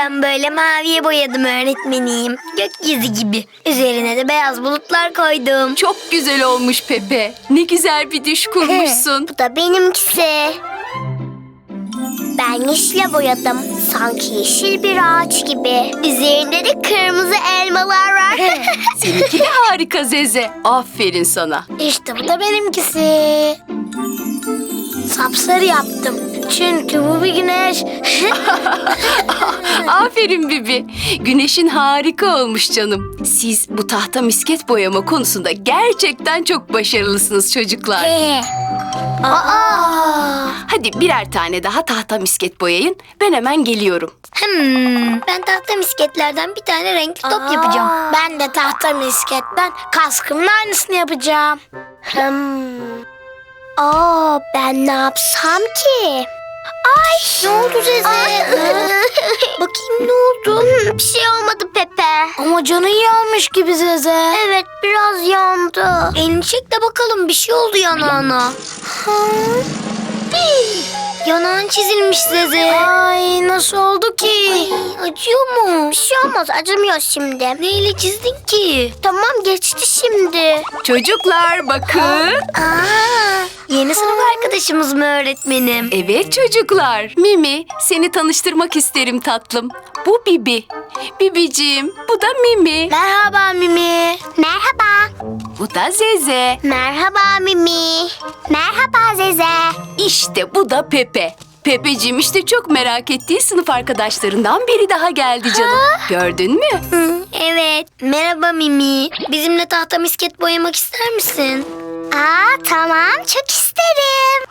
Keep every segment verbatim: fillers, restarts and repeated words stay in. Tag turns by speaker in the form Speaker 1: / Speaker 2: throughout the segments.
Speaker 1: Ben böyle maviye boyadım öğretmenim. Gökyüzü gibi. Üzerine de beyaz bulutlar koydum.
Speaker 2: Çok güzel olmuş Pepe. Ne güzel bir düş kurmuşsun.
Speaker 3: Bu da benimkisi. Ben yeşile boyadım. Sanki yeşil bir ağaç gibi. Üzerinde de kırmızı elmalar var.
Speaker 2: Seninki de harika Zeze. Aferin sana.
Speaker 3: İşte bu da benimkisi. Sapsarı yaptım. Çünkü bu bir güneş.
Speaker 2: Aferin Bibi. Güneşin harika olmuş canım. Siz bu tahta misket boyama konusunda gerçekten çok başarılısınız çocuklar.
Speaker 3: Aa!
Speaker 2: Hadi birer tane daha tahta misket boyayın. Ben hemen geliyorum.
Speaker 1: Hmm, ben tahta misketlerden bir tane renkli top yapacağım.
Speaker 3: Ben de tahta misketten kaskımın aynısını yapacağım. Hmm. Aa, ben ne yapsam ki? Ay,
Speaker 1: Ne oldu Zeze?
Speaker 3: bakayım ne oldu? Bir şey olmadı Pepe. Ama canın yanmış gibi Zeze. Evet, biraz yandı.
Speaker 1: Elini çek de bakalım, bir şey oldu yanağına. Yanağın çizilmiş Zeze.
Speaker 3: Ay, nasıl oldu ki?
Speaker 1: Ay, acıyor mu?
Speaker 3: Bir şey olmaz, acımıyor şimdi.
Speaker 1: Neyle çizdin ki?
Speaker 3: Tamam, geçti şimdi.
Speaker 2: Çocuklar bakın.
Speaker 1: Aa, yeni sınıf arkadaşımız mı öğretmenim?
Speaker 2: Evet çocuklar. Mimi, seni tanıştırmak isterim tatlım. Bu Bibi. Bibiciğim, bu da Mimi.
Speaker 3: Merhaba Mimi. Merhaba.
Speaker 2: Bu da Zeze.
Speaker 3: Merhaba Mimi. Merhaba Zeze.
Speaker 2: İşte bu da Pepe. Pepeciğim işte çok merak ettiği sınıf arkadaşlarından biri daha geldi canım. Gördün mü?
Speaker 1: Hı, evet. Merhaba Mimi. Bizimle tahta misket boyamak ister misin?
Speaker 3: Aa, tamam, çok isterim.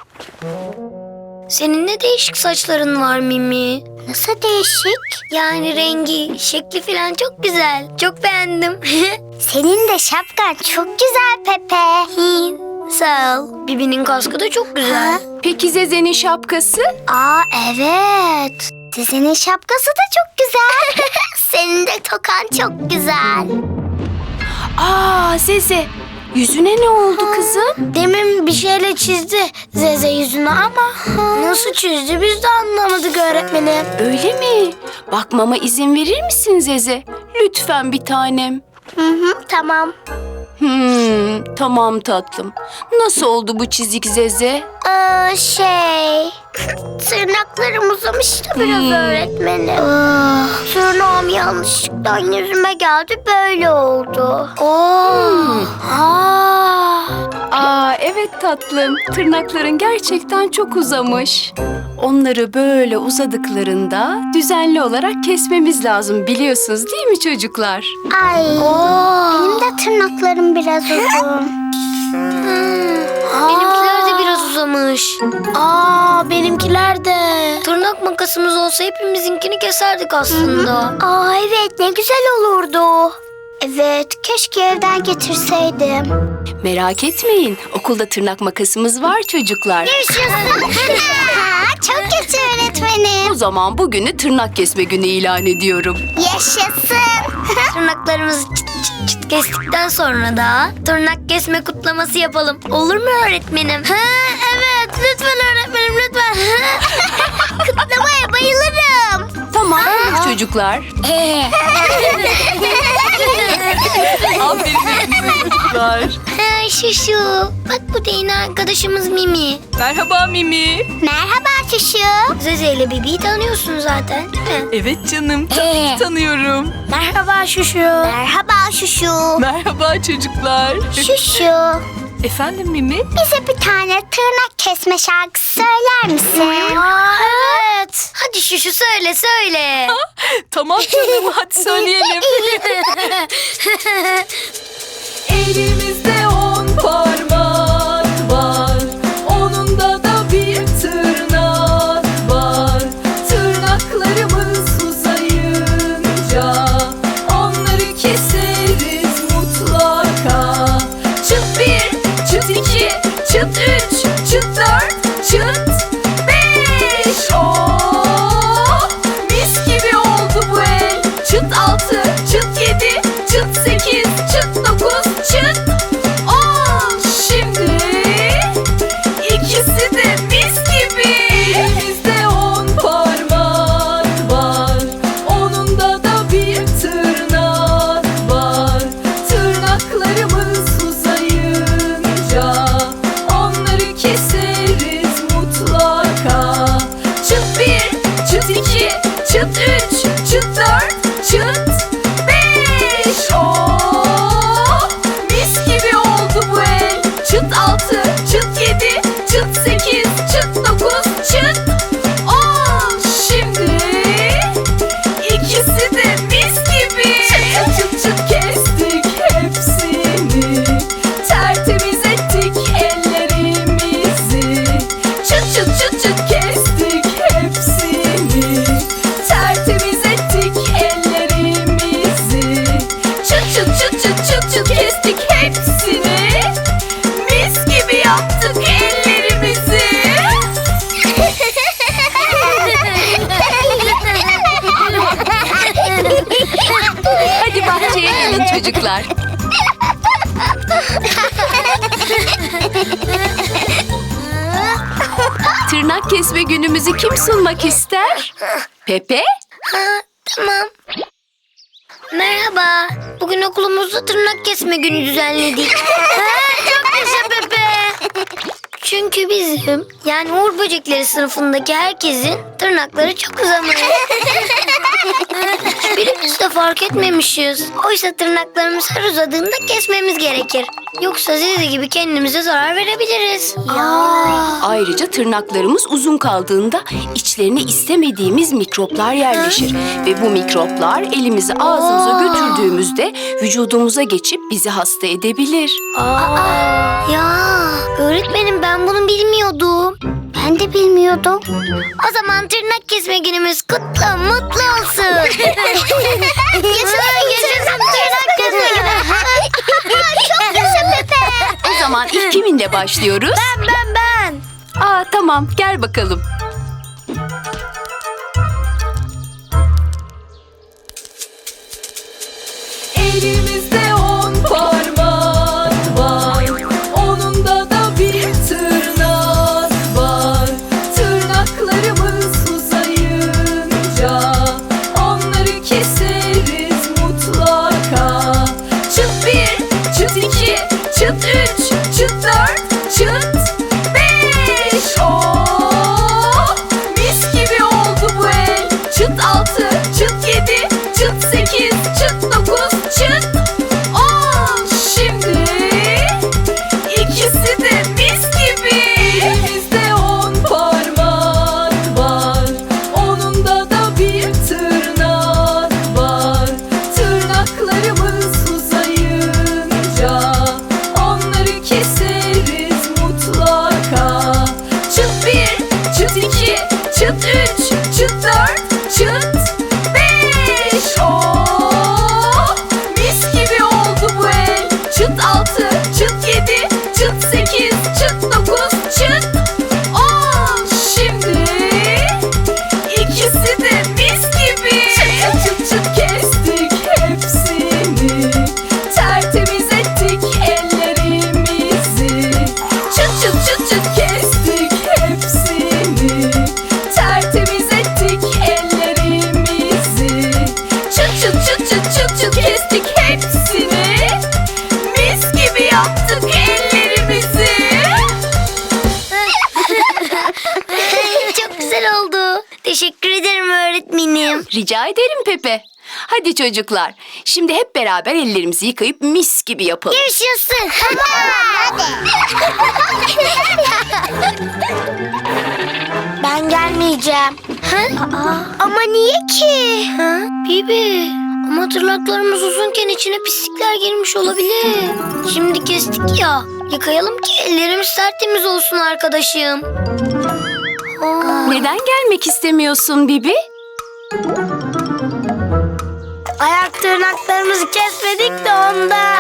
Speaker 1: Senin ne değişik saçların var Mimi.
Speaker 3: Nasıl değişik?
Speaker 1: Yani rengi, şekli falan çok güzel. Çok beğendim.
Speaker 3: Senin de şapkan çok güzel Pepe.
Speaker 1: Sağ ol. Bibi'nin kaskı da çok güzel.
Speaker 2: Peki Zeze'nin şapkası?
Speaker 3: Aa, evet. Zeze'nin şapkası da çok güzel. Senin de tokan çok güzel.
Speaker 2: Aa Zeze, yüzüne ne oldu kızım?
Speaker 3: Demin bir şeyle çizdi Zeze yüzünü ama nasıl çizdi biz de anlamadık öğretmenim.
Speaker 2: Öyle mi? Bakmama izin verir misin Zeze? Lütfen bir tanem.
Speaker 3: Hı hı, tamam.
Speaker 2: Hmm, tamam tatlım. Nasıl oldu bu çizik Zeze?
Speaker 3: Ee, şey... Tırnaklarım uzamıştı biraz
Speaker 2: Hmm.
Speaker 3: öğretmenim. Tırnağım yanlışlıkla yüzüme geldi, böyle oldu. Oo. Aa.
Speaker 2: Aa evet tatlım. Tırnakların gerçekten çok uzamış. Onları böyle uzadıklarında düzenli olarak kesmemiz lazım biliyorsunuz değil mi çocuklar?
Speaker 3: Ay. Benim de tırnaklarım biraz uzun.
Speaker 1: Benimkiler de biraz uzamış.
Speaker 3: Aa, benimkiler de.
Speaker 1: Tırnak makasımız olsa hepimizinkini keserdik aslında.
Speaker 3: Aa, evet, ne güzel olurdu. Evet, keşke evden getirseydim.
Speaker 2: Merak etmeyin. Okulda tırnak makasımız var çocuklar.
Speaker 3: Çok kötü öğretmenim.
Speaker 2: O zaman bugünü tırnak kesme günü ilan ediyorum.
Speaker 3: Yaşasın.
Speaker 1: Tırnaklarımızı çıt çıt çıt kestikten sonra da tırnak kesme kutlaması yapalım. Olur mu öğretmenim?
Speaker 3: Ha, evet, lütfen öğretmenim, lütfen. Kutlamaya bayılırım.
Speaker 2: Tamam çocuklar. Aferin hepinize çocuklar.
Speaker 1: Ha, şu şu. Bak bu da yeni arkadaşımız Mimi.
Speaker 2: Merhaba Mimi.
Speaker 3: Merhaba Şuşu.
Speaker 1: Zeze ile Bibi'yi tanıyorsun zaten değil mi?
Speaker 2: Evet canım. Tabii tanıyorum.
Speaker 3: Merhaba Şuşu. Merhaba Şuşu.
Speaker 2: Merhaba çocuklar.
Speaker 3: Şuşu,
Speaker 2: Efendim Mimi?
Speaker 3: bize bir tane tırnak kesme şarkısı söyler misin?
Speaker 1: Aa, evet. Hadi şu şu söyle söyle.
Speaker 2: Tamam canım hadi söyleyelim. Elimizde on parmak var, onunda da bir tırnak var. Tırnaklarımız uzayınca onları keseriz mutlaka. Çıt bir, çıt iki, çıt üç, çıt dört, çıt beş. Oh, mis gibi oldu bu el. Çıt altı, çıt yedi, çıt sekiz, çıt dokuz, çıt on. Şimdi ikisi de mis gibi. Elimizde on parmak var, onun çıt sekiz, çıt dokuz, çıt on. Şimdi ikisi de mis gibi. Çıt çıt çıt kestik hepsini. Tertemiz ettik ellerimizi. Çıt çıt çıt çıt kestik hepsini. Tertemiz ettik ellerimizi. Çıt çıt çıt çıt çıt çıt kestik hepsini. Mis gibi yaptık ellerimizi. Hadi bahçeye gelin çocuklar. Tırnak kesme günümüzü kim sunmak ister? Pepe?
Speaker 1: Ha, tamam. Merhaba. Bugün okulumuzda tırnak kesme günü düzenledik. Ha, çok yaşa Pepe. Çünkü bizim, yani Uğur Böcekleri sınıfındaki herkesin tırnakları çok uzamış. Hiçbirimiz de fark etmemişiz. Oysa tırnaklarımız her uzadığında kesmemiz gerekir. Yoksa Zizi gibi kendimize zarar verebiliriz. Ya.
Speaker 2: Ayrıca tırnaklarımız uzun kaldığında içlerine istemediğimiz mikroplar yerleşir. Ve bu mikroplar elimizi ağzımıza götürdüğümüzde vücudumuza geçip bizi hasta edebilir.
Speaker 1: Aa, ya öğretmenim ben bunu bilmiyordum.
Speaker 3: Ben de bilmiyordum.
Speaker 1: O zaman tırnak kesme günümüz kutlu mutlu olsun. Yaşasın yaşasın tırnak kesme günü.
Speaker 3: Çok yaşa Pepe.
Speaker 2: O zaman ilk kiminle başlıyoruz?
Speaker 1: Ben ben ben.
Speaker 2: Aa tamam, gel bakalım. Elimizde on parmak var, onunda da bir tırnak var. Tırnaklarımız uzayınca onları keseriz mutlaka. Çıt bir, çıt iki, çıt üç, çıt dört, çıt beş. Oh, mis gibi oldu bu el. Çıt altı, çıt yedi, çıt sekiz, çıt dokuz, çıt on. Şimdi ikisi de mis gibi. Elimizde on parmak var, onunda da bir tırnak var. Tırnaklarımız uzayınca onları keseriz mutlaka. Çıt bir, çıt iki, çıt üç, çıt dört, çıt beş. Oh, mis gibi oldu bu el. Çıt altı, çıt yedi, çıt sekiz, çıt dokuz, çıt on. Şimdi ikisi de mis gibi. Çıt çıt çıt kestik hepsini. Tertemiz ettik ellerimizi. Çıt çıt çıt çıt kestik hepsini. Tertemiz ettik ellerimizi. Çıt çıt çıt çıt çıt çıt kestik hepsini. Mis gibi yaptık ellerimizi.
Speaker 1: Çok güzel oldu. Teşekkür ederim öğretmenim.
Speaker 2: Rica ederim Pepe. Hadi çocuklar, şimdi hep beraber ellerimizi yıkayıp mis gibi yapalım.
Speaker 1: Yaşasın.
Speaker 3: Ben gelmeyeceğim.
Speaker 1: Ha?
Speaker 3: Ama niye ki?
Speaker 1: Ha? Bibi. Ama tırnaklarımız uzunken içine pislikler girmiş olabilir. Şimdi kestik ya. Yıkayalım ki ellerimiz tertemiz olsun arkadaşım. Aa.
Speaker 2: Neden gelmek istemiyorsun Bibi?
Speaker 3: Ayak tırnaklarımızı kesmedik de ondan.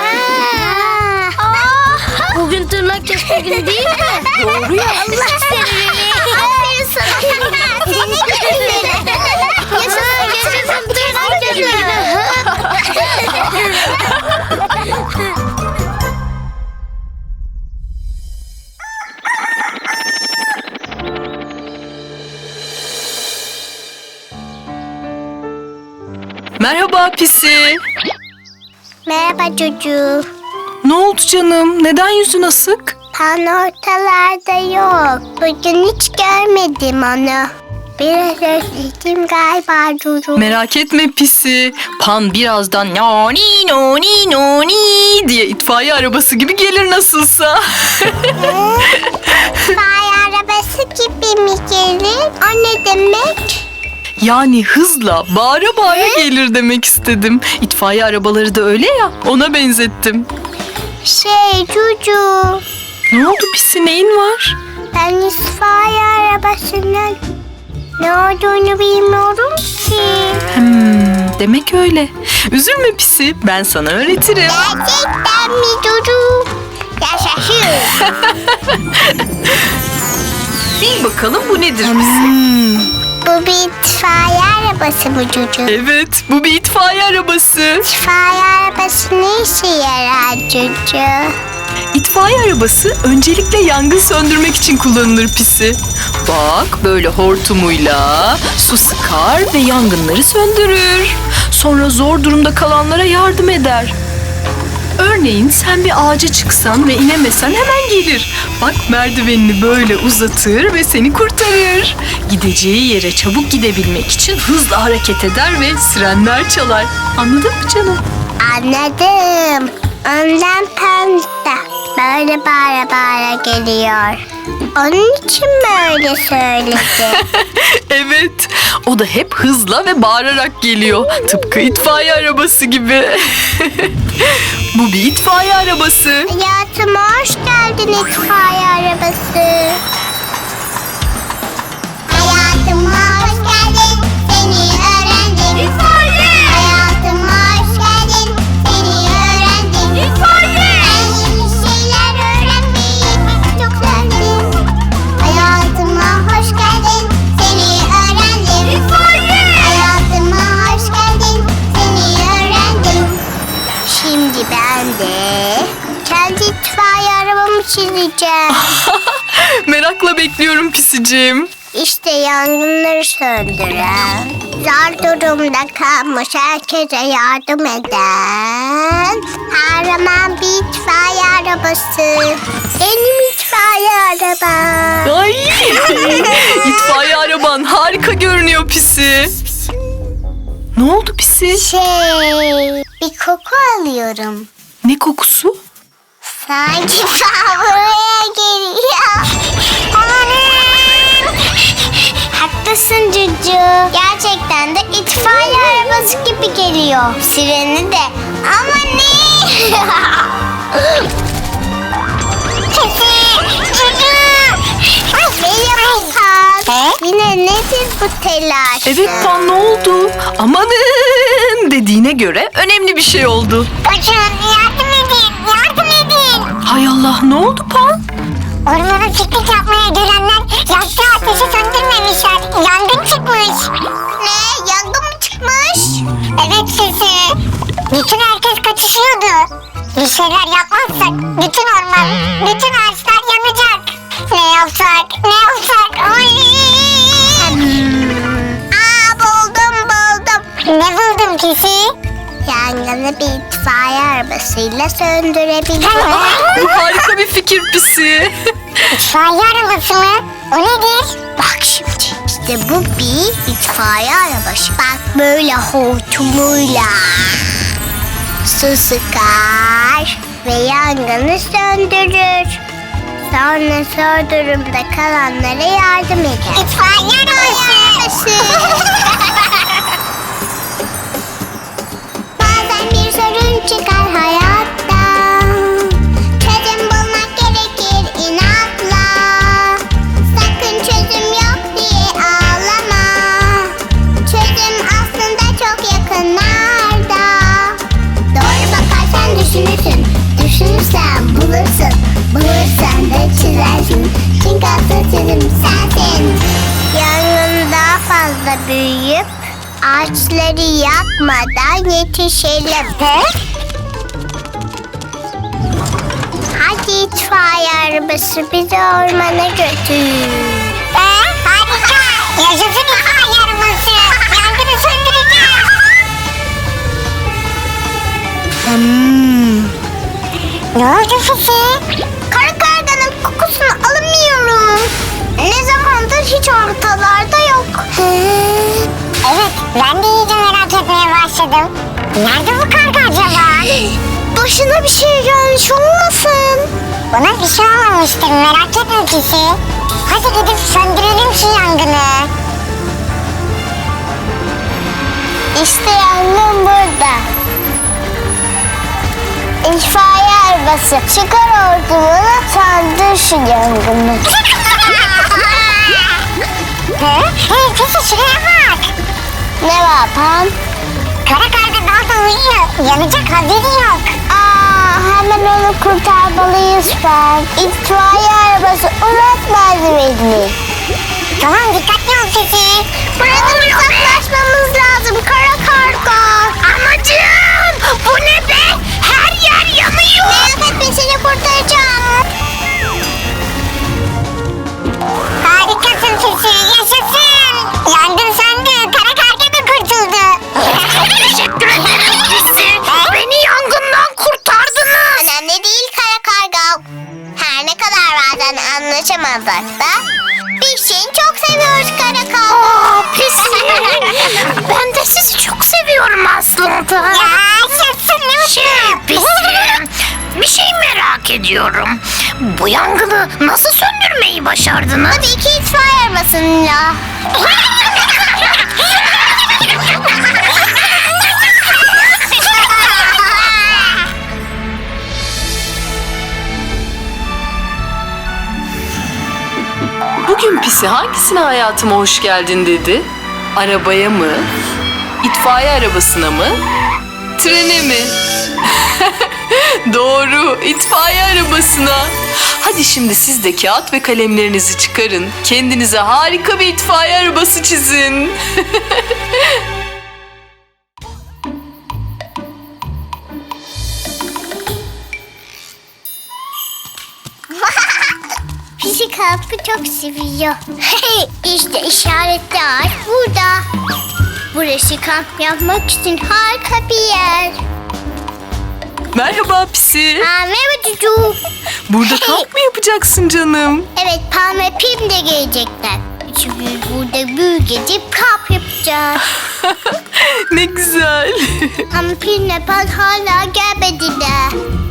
Speaker 1: Aa, bugün tırnak kesme günü değil mi?
Speaker 2: Doğru ya.
Speaker 3: Allah seni. Aferin sana. Seni gibi.
Speaker 1: Yaşasın yaşasın tırnak kesme günü.
Speaker 4: Merhaba Pisi.
Speaker 3: Merhaba çocuğum.
Speaker 4: Ne oldu canım? Neden yüzün asık?
Speaker 3: Pan ortalarda yok. Bugün hiç görmedim onu. Biraz özledim galiba Duru.
Speaker 4: Merak etme Pisi. Pan birazdan noni noni noni diye itfaiye arabası gibi gelir nasılsa.
Speaker 3: İtfaiye arabası gibi mi gelir? O ne demek?
Speaker 4: Yani hızla bağıra bağıra gelir demek istedim. İtfaiye arabaları da öyle ya, ona benzettim.
Speaker 3: Şey Cucu,
Speaker 4: Ne oldu Pisi, neyin var?
Speaker 3: ben itfaiye arabasının ne olduğunu bilmiyorum ki.
Speaker 4: Hmm, demek öyle. Üzülme Pisi, ben sana öğretirim.
Speaker 3: Gerçekten mi Cucu? Yaşasın.
Speaker 4: Bil bakalım bu nedir Pisi?
Speaker 3: Bu bir itfaiye arabası mı Cucu?
Speaker 4: Evet, bu bir itfaiye arabası.
Speaker 3: İtfaiye arabası ne işe yarar Cucu?
Speaker 4: İtfaiye arabası öncelikle yangın söndürmek için kullanılır Pisi. Bak, böyle hortumuyla su sıkar ve yangınları söndürür. Sonra zor durumda kalanlara yardım eder. Örneğin sen bir ağaca çıksan ve inemesen hemen gelir. Bak, merdivenini böyle uzatır ve seni kurtarır. Gideceği yere çabuk gidebilmek için hızla hareket eder ve sirenler çalar. Anladın mı canım?
Speaker 3: Anladım. Ondan pembe böyle bağıra bağıra geliyor. Onun için böyle söyledi.
Speaker 4: Evet, o da hep hızla ve bağırarak geliyor. Tıpkı itfaiye arabası gibi. Bu bir itfaiye arabası.
Speaker 3: Hayatıma hoş geldin itfaiye arabası. Hayatıma hoş geldin, seni öğrendim. İtfaiye! Hayatıma hoş geldin, seni öğrendim. İtfaiye! Ben yeni şeyler öğrenmeyi çok sevdim. Hayatıma hoş geldin, seni öğrendim. İtfaiye! Hayatıma hoş geldin, seni öğrendim. Şimdi ben de kendi itfaiye arabamı çizeceğim.
Speaker 4: Merakla bekliyorum Pisiciğim.
Speaker 3: İşte yangınları söndüren, zor durumda kalmış herkese yardım eden kahraman bir itfaiye arabası. Benim itfaiye arabam.
Speaker 4: Ay! İtfaiye araban harika görünüyor Pisi. Ne oldu Pisi?
Speaker 3: Şey, bir koku alıyorum.
Speaker 4: Ne kokusu?
Speaker 3: Sanki ta buraya geliyor. Amanın! Haklısın Cucu. Gerçekten de itfaiye arabası gibi geliyor. Sireni de. Ama ne? Merhaba Pan. Yine nedir bu telaş?
Speaker 4: Evet Pan, ne oldu? Amanın dediğine göre önemli bir şey oldu.
Speaker 3: Hocam yardım edin, yardım edin.
Speaker 4: Hay Allah, ne oldu Pan?
Speaker 3: Ormana piknik yapmaya gelenler yaktığı ateşi söndürmemişler. Yangın çıkmış. Ne? Yangın mı çıkmış? Evet sizi. Bütün herkes kaçışıyordu. Bir şeyler yapmazsak bütün orman, bütün ağaçlar yanacak. Ne yapsak? Ne yapsak? Ay! Aa, buldum buldum. Ne buldun pisi? Yangını bir itfaiye arabasıyla söndürebilirim.
Speaker 4: Bu harika bir fikir Pisi.
Speaker 3: İtfaiye arabası mı? O nedir? Bak şimdi. İşte bu bir itfaiye arabası. Bak böyle hortumuyla su sıkar ve yangını söndürür. Sonra zor durumda kalanlara yardım eder. İtfaiye arabası. Bazen bir sorun çıkar hayatta. Çözüm bulmak gerekir inatla. Sakın çözüm yok diye ağlama. Çözüm aslında çok yakınlarda. Doğru bakarsan düşünürsün. Düşünürsen bulursun. Bulursan da çizersin. Çünkü asıl çözüm sensin. Yangın daha fazla büyüyüp ağaçları yakmadan yetişelim. Hadi itfaiye arabası bizi ormana götür. Ee, harika. Yaşasın itfaiye arabası. Yangını söndüreceğiz. Hmm. Ne oldu Fifi? Kara karganın kokusunu alamıyorum. Ne zamandır hiç ortalarda yok. Evet, ben de iyice merak etmeye başladım. Nerede bu karga acaba? Başına bir şey gelmiş olmasın? Bana bir şey olmamıştır, merak etme Pisi. Hadi gidip söndürelim şu yangını. İşte yangın burada. İtfaiye arabası. Çıkar hortumunu, söndür şu yangını. He? Hey peki şuraya bak. Ne var Pam? Kara karga dalda uyuyor. Yanacak haberi yok. Aa, hemen onu kurtarmalıyız Pam. İtfaiye arabası unutmaz beni. Tamam dikkatli ol Fifi. Buradan uzaklaşmamız lazım kara karga. Anacığım bu ne be? Her yer yanıyor. Merak etme seni kurtaracağım. Harikasın Fifi, yaşasın. Yangın söndü, kara karga da kurtuldu. Teşekkür ederim Fifi. Beni yangından kurtardınız. Önemli değil kara karga. Her ne kadar bazen anlaşamasak da biz seni çok seviyoruz kara karga. Aa Fifi. Ben de sizi çok seviyorum aslında. Ya yaşasın ne mutlu. Şey Fifi. Bir şey merak ediyorum. Bu yangını nasıl söndürmeyi başardınız? Tabii ki itfaiye arabasıyla.
Speaker 4: Bugün Pisi hangisine hayatıma hoş geldin dedi? Arabaya mı? İtfaiye arabasına mı? Trene mi? Doğru, itfaiye arabasına. Hadi şimdi siz de kağıt ve kalemlerinizi çıkarın. Kendinize harika bir itfaiye arabası çizin.
Speaker 3: Pisi kampı çok seviyor. Hey, işte işaretli ağaç burada. Burası kamp yapmak için harika bir yer.
Speaker 4: Merhaba Pisi.
Speaker 3: Aa, merhaba Cucu.
Speaker 4: Burada kamp mı yapacaksın canım?
Speaker 3: Evet, Pam ve Pim de gelecekler. Üçümüz burada büyük gidip kamp yapacağız.
Speaker 4: Ne güzel.
Speaker 3: Ama Pim'le Pam hala gelmediler.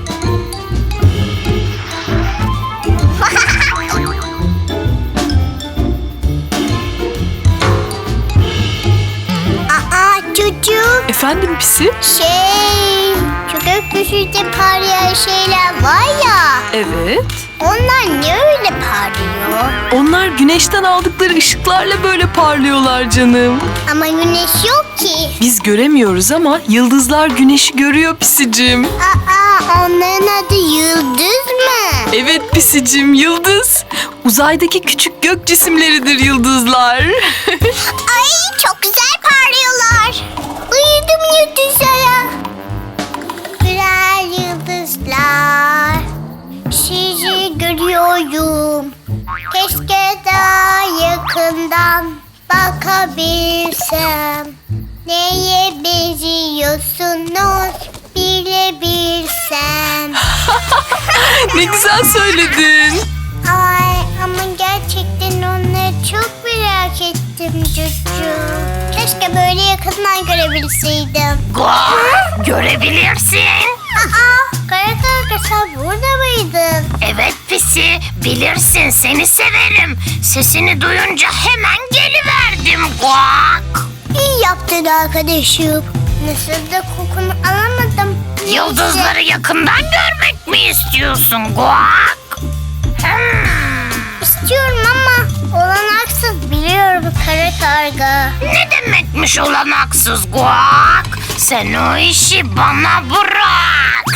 Speaker 3: Aa Cucu.
Speaker 4: Efendim Pisi?
Speaker 3: Şey, şu gökyüzünde parlayan şeyler var ya.
Speaker 4: Evet.
Speaker 3: Onlar ne öyle parlıyor?
Speaker 4: Onlar güneşten aldıkları ışıklarla böyle parlıyorlar canım.
Speaker 3: Ama güneş yok ki.
Speaker 4: Biz göremiyoruz ama yıldızlar güneşi görüyor Pisicim.
Speaker 3: Aa, onların adı Yıldız mı?
Speaker 4: Evet Pisicim, yıldız. Uzaydaki küçük gök cisimleridir yıldızlar.
Speaker 3: Ay çok güzel parlıyorlar. Uyudum yıldızlara. Güzel yıldızlar. Sizi görüyorum. Keşke daha yakından bakabilsem. Neye benziyorsunuz bilebilsem.
Speaker 4: Ne güzel söyledin.
Speaker 3: Ay ama gerçekten onları çok merak ettim Cucu. Keşke böyle yakından görebilseydim.
Speaker 5: Guak, görebilirsin.
Speaker 3: Aa, kara karga sen burada mıydın?
Speaker 5: Evet Pisi, bilirsin seni severim. Sesini duyunca hemen geliverdim. Guak.
Speaker 3: İyi yaptın arkadaşım. Nasıl da kokunu alamadım.
Speaker 5: Yıldızları yakından görmek mi istiyorsun Guak? Hmm,
Speaker 3: İstiyorum ama olanaksız biliyorum kara karga.
Speaker 5: ne demekmiş olanaksız Guak? Sen o işi bana bırak.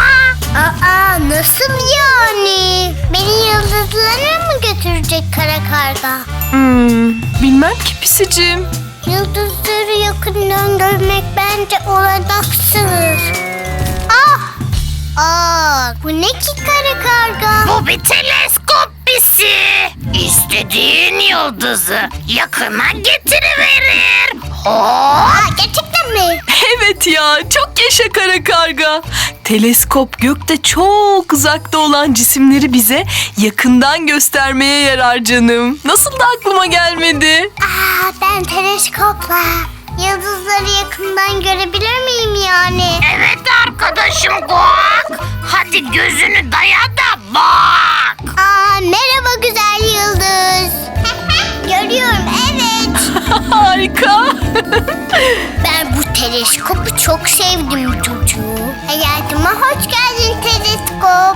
Speaker 3: Aa, nasıl yani? Beni yıldızlara mı götürecek kara karga?
Speaker 4: Hmm, bilmem ki Pisicim.
Speaker 3: Yıldızları yakından görmek bence olanaksız. Ah! Aa, bu ne ki kara karga?
Speaker 5: Bu bir teleskop Pisi. İstediğin yıldızı yakına getiriverir. Hop.
Speaker 3: Aa, gerçekten mi?
Speaker 4: Evet ya, çok yaşa kara karga. Teleskop gökte çok uzakta olan cisimleri bize yakından göstermeye yarar canım. Nasıl da aklıma gelmedi?
Speaker 3: Aa, ben teleskopla yıldızları yakından görebilir miyim yani?
Speaker 5: Evet arkadaşım Guak. Hadi gözünü daya da bak.
Speaker 3: Aa, merhaba güzel yıldız.
Speaker 4: Harika.
Speaker 3: Ben bu teleskopu çok sevdim çocuğu. Hayatıma hoş geldin teleskop.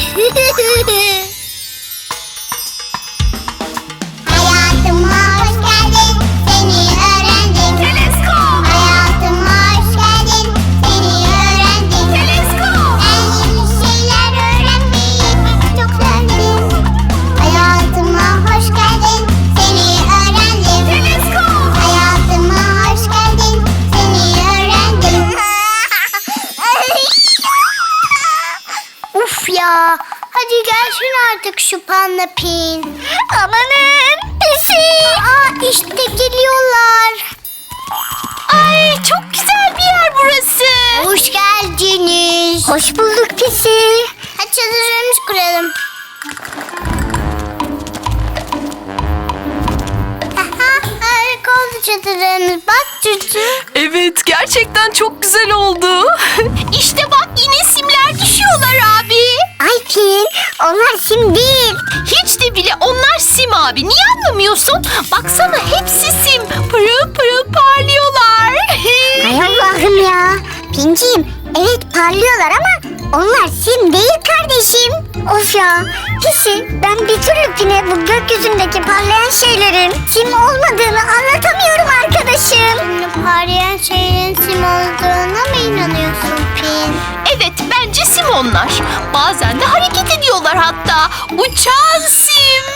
Speaker 3: Hayatıma hoş geldin, seni öğrendim. Teleskop. Hayatıma hoş geldin, seni öğrendim. Teleskop. En yeni şeyler öğrenmeyi çok sevdim. Hayatıma hoş geldin, seni öğrendim. Teleskop. Hayatıma hoş geldin, seni öğrendim. Uf ya. Hadi gelsin artık şu Panda Pin. Amanın pisi. Aa işte geliyorlar. Ay çok güzel bir yer burası. Hoş geldiniz. Hoş bulduk pisi. Hadi çadırlarımızı kuralım. Aha, harika oldu çadırlarımız. Bak çocuğum.
Speaker 4: Evet, gerçekten çok güzel oldu.
Speaker 2: İşte bak yine simler düşüyorlar abi.
Speaker 3: Ay Pin, onlar sim değil.
Speaker 2: Hiç de bile onlar sim abi. Niye anlamıyorsun? Baksana hepsi sim. Pırıl pırıl parlıyorlar.
Speaker 3: Ay Allah'ım ya. Pinciğim, evet parlıyorlar ama onlar sim değil kardeşim. Of ya. Pisi, ben bir türlü Pin'e bu gökyüzündeki parlayan şeylerin sim olmadığını anlatamıyorum arkadaşım. Şimdi parlayan şeylerin sim olduğuna mı inanıyorsun Pin?
Speaker 2: Evet bence sim onlar. Bazen de hareket ediyorlar hatta. Uçan sim.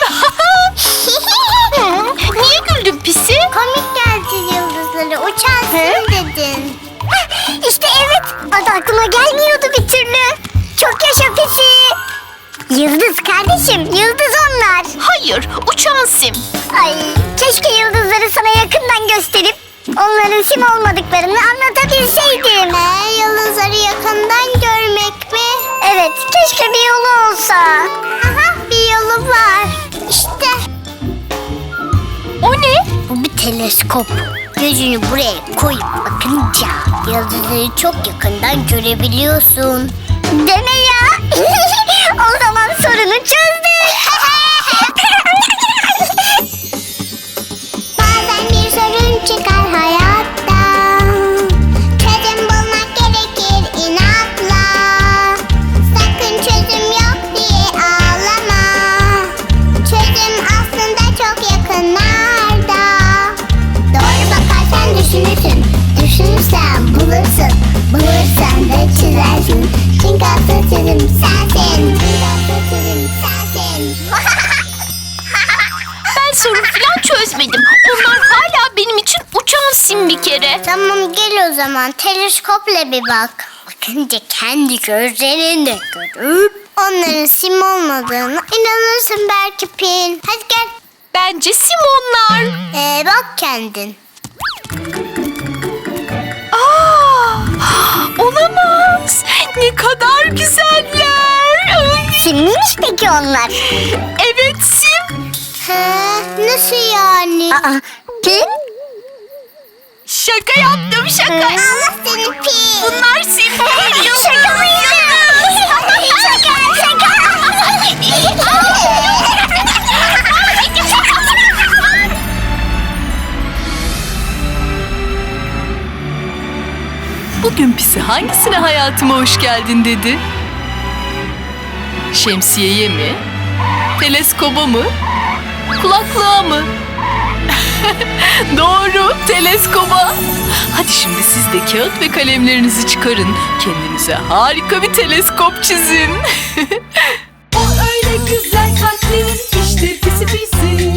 Speaker 2: Niye güldün pisi?
Speaker 3: Komik geldi yıldızları. Uçan sim dedin. İşte evet. Adı aklıma gelmiyordu bir türlü. Çok yaşa Pisi. Yıldız kardeşim. Yıldız onlar.
Speaker 2: Hayır uçan sim.
Speaker 3: Ay keşke yıldızları sana yakından gösterip onların sim olmadıklarını anlatabilseydim. He, yıldızları yakından görmek mi? Evet, keşke bir yolu olsa. Aha, bir yolu var. İşte.
Speaker 2: O ne?
Speaker 3: Bu bir teleskop. Gözünü buraya koyup bakınca yıldızları çok yakından görebiliyorsun. Deme ya. O zaman sorunu çözdük. Bazen bir sorun çıkar hayatta. Çözüm bulmak gerekir inatla. Sakın çözüm yok diye ağlama. Çözüm aslında çok yakınlarda. Doğru bakarsan düşünürsün. Düşünürsen bulursun. Bulursan da çizersin. Çünkü asıl çözüm sensin. Çünkü asıl çözüm sensin.
Speaker 2: Ben sorun falan çözmedim. Onlar hala benim için uçan sim bir kere.
Speaker 3: Tamam gel o zaman teleskopla bir bak. Bakınca kendi gözlerinde görüp onların sim olmadığını inanırsın belki Pin. Hadi gel.
Speaker 2: Bence sim onlar.
Speaker 3: Ee, bak kendin.
Speaker 2: Aa, olamaz. Ne kadar güzeller. Ay,
Speaker 3: Simliymiş peki onlar?
Speaker 2: evet sim.
Speaker 3: He, nasıl yani? Aa, Pin?
Speaker 2: Şaka yaptım şaka.
Speaker 3: Allah seni Pin.
Speaker 2: Bunlar sim değil. Yıldız.
Speaker 3: Şaka mı Şaka, şaka.
Speaker 4: Bugün Pisi hangisine hayatıma hoş geldin dedi? Şemsiyeye mi? Teleskoba mı? Kulaklığa mı? Doğru, teleskoba. Hadi şimdi siz de kağıt ve kalemlerinizi çıkarın. Kendinize harika bir teleskop çizin.
Speaker 6: O öyle güzel kalpli işte pisi pisi.